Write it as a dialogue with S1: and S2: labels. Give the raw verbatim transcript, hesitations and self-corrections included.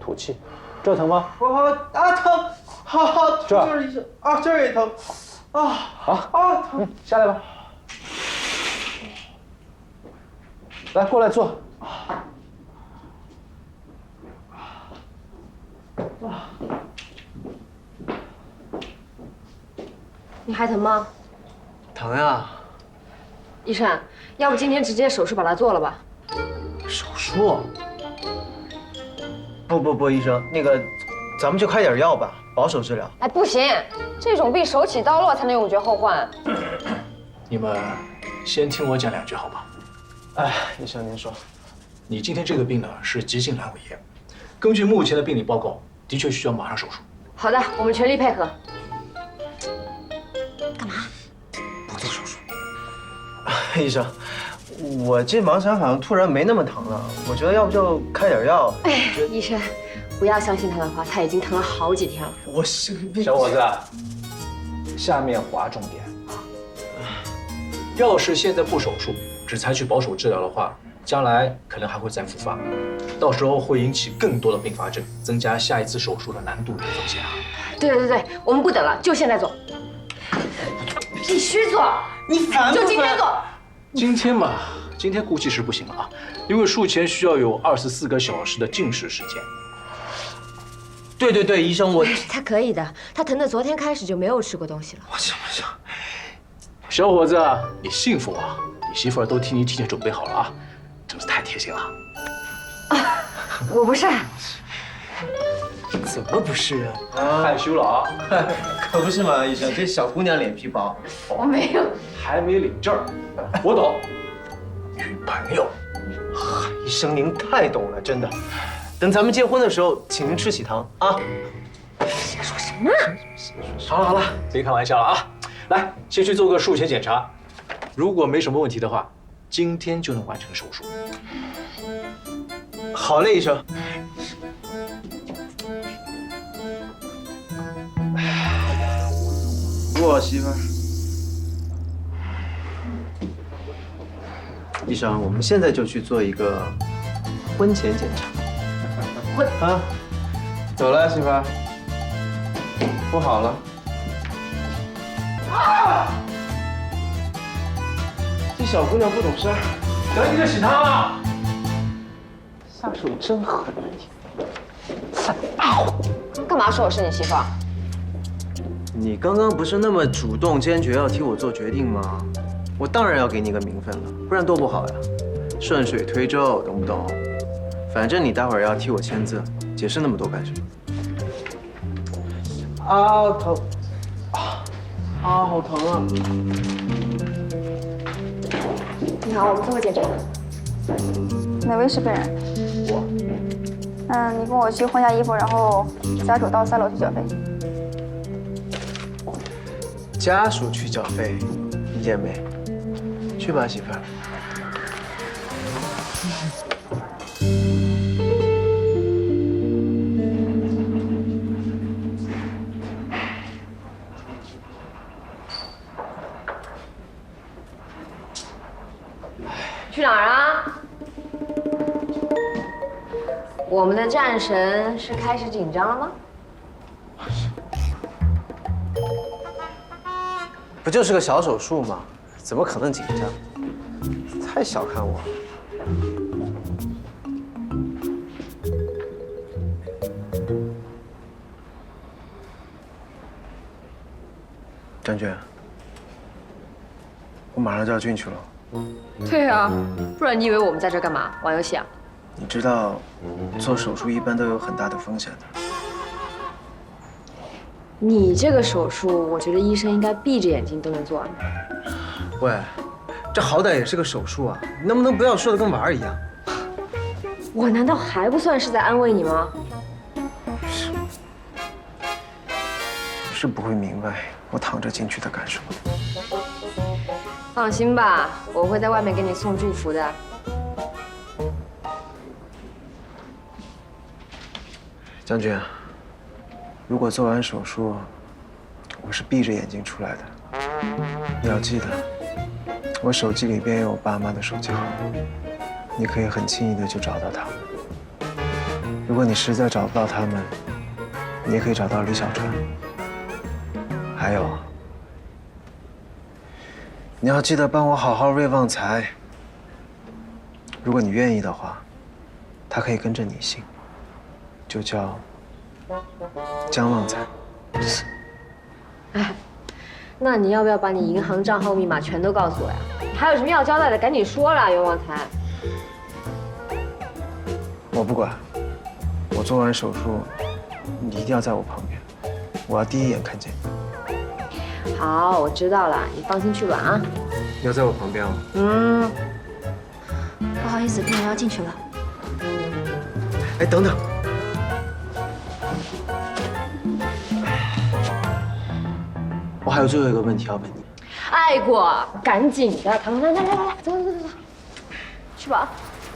S1: 吐气。这疼吗？
S2: 我好啊疼，好好
S1: 这儿
S2: 就是医生啊，这儿也疼，啊
S1: 啊
S2: 啊疼。
S1: 嗯，下来吧。来，过来坐。
S3: 你还疼吗？
S2: 疼呀！
S3: 医生，要不今天直接手术把它做了吧？
S2: 手术？不不不，医生，那个，咱们就开点药吧，保守治疗。
S3: 哎，不行，这种病手起刀落才能永绝后患。
S4: 你们先听我讲两句好吧？
S2: 哎，医生您说，
S4: 你今天这个病呢是急性阑尾炎，根据目前的病理报告，的确需要马上手术。
S3: 好的，我们全力配合。
S2: 不做手术。医生，我这盲肠好像突然没那么疼了，我觉得要不就开点药。
S3: 哎，医生，不要相信他的话，他已经疼了好几天了。
S2: 我是
S1: 小伙子，下面划重点。
S4: 要是现在不手术，只采取保守治疗的话，将来可能还会再复发，到时候会引起更多的并发症，增加下一次手术的难度与风险啊。
S3: 对对对，我们不等了，就现在做，必须做，
S2: 你烦不烦？
S3: 就今天做。
S4: 今天嘛，今天估计是不行了啊，因为术前需要有二十四个小时的静识时间。
S2: 对对对，医生，我
S3: 他可以的，他疼的昨天开始就没有吃过东西了。
S2: 我行不行？
S4: 小伙子，你幸福啊！你媳妇儿都替你提前准备好了啊，真是太贴心了。
S3: 我不是，
S2: 怎么不是啊？
S1: 害羞了啊！
S2: 可不是嘛，医生，这小姑娘脸皮薄。
S3: 我没有。
S1: 还没领证儿，我懂。
S4: 女朋友，
S2: 医生您太懂了，真的。等咱们结婚的时候，请您吃喜糖啊。
S3: 说什么？
S4: 好了好了，别开玩笑了啊！来，先去做个术前检查，如果没什么问题的话，今天就能完成手术。
S2: 好嘞，医生。我媳妇儿。医生，我们现在就去做一个婚前检查。
S3: 婚
S2: 啊，走了，媳妇儿。不好了。啊！这小姑娘不懂事儿。
S1: 得你个喜糖啊！下手真狠啊你！
S3: 干嘛说我是你媳妇儿？
S2: 你刚刚不是那么主动坚决要替我做决定吗？我当然要给你个名分了，不然多不好呀！顺水推舟，懂不懂？反正你待会儿要替我签字，解释那么多干什么？啊，疼！啊啊，好疼啊！
S3: 你好，我们做个检查。
S5: 哪位是本人？
S2: 我。
S5: 嗯，你跟我去换下衣服，然后家属到三楼去缴费。
S2: 家属去缴费，理解没？去吧，媳妇儿。
S3: 去哪儿啊？我们的战神是开始紧张了吗？
S2: 不就是个小手术吗？怎么可能紧张？太小看我了。张娟，我马上就要进去了。
S3: 对啊，不然你以为我们在这干嘛？玩游戏啊？
S2: 你知道，做手术一般都有很大的风险的。
S3: 你这个手术，我觉得医生应该闭着眼睛都能做完。
S2: 喂，这好歹也是个手术啊，你能不能不要说的跟玩儿一样？
S3: 我难道还不算是在安慰你吗？
S2: 是不会明白我躺着进去的感受。
S3: 放心吧，我会在外面给你送祝福的。
S2: 将军，如果做完手术，我是闭着眼睛出来的，你要记得，我手机里边有我爸妈的手机号，你可以很轻易的就找到他们。 如果你实在找不到他们，你也可以找到李小川。还有，你要记得帮我好好喂旺财。如果你愿意的话，他可以跟着你姓，就叫江旺财。
S3: 哎，那你要不要把你银行账号密码全都告诉我呀？还有什么要交代的，赶紧说啦，袁旺财。
S2: 我不管，我做完手术，你一定要在我旁边，我要第一眼看见你。
S3: 好，我知道了，你放心去吧啊。
S2: 要在我旁边哦。
S3: 嗯。
S5: 不好意思，病人要进去了。
S2: 哎，等等。我还有最后一个问题要问你。
S3: 爱过，赶紧的，来来来来来，走走走走，去吧。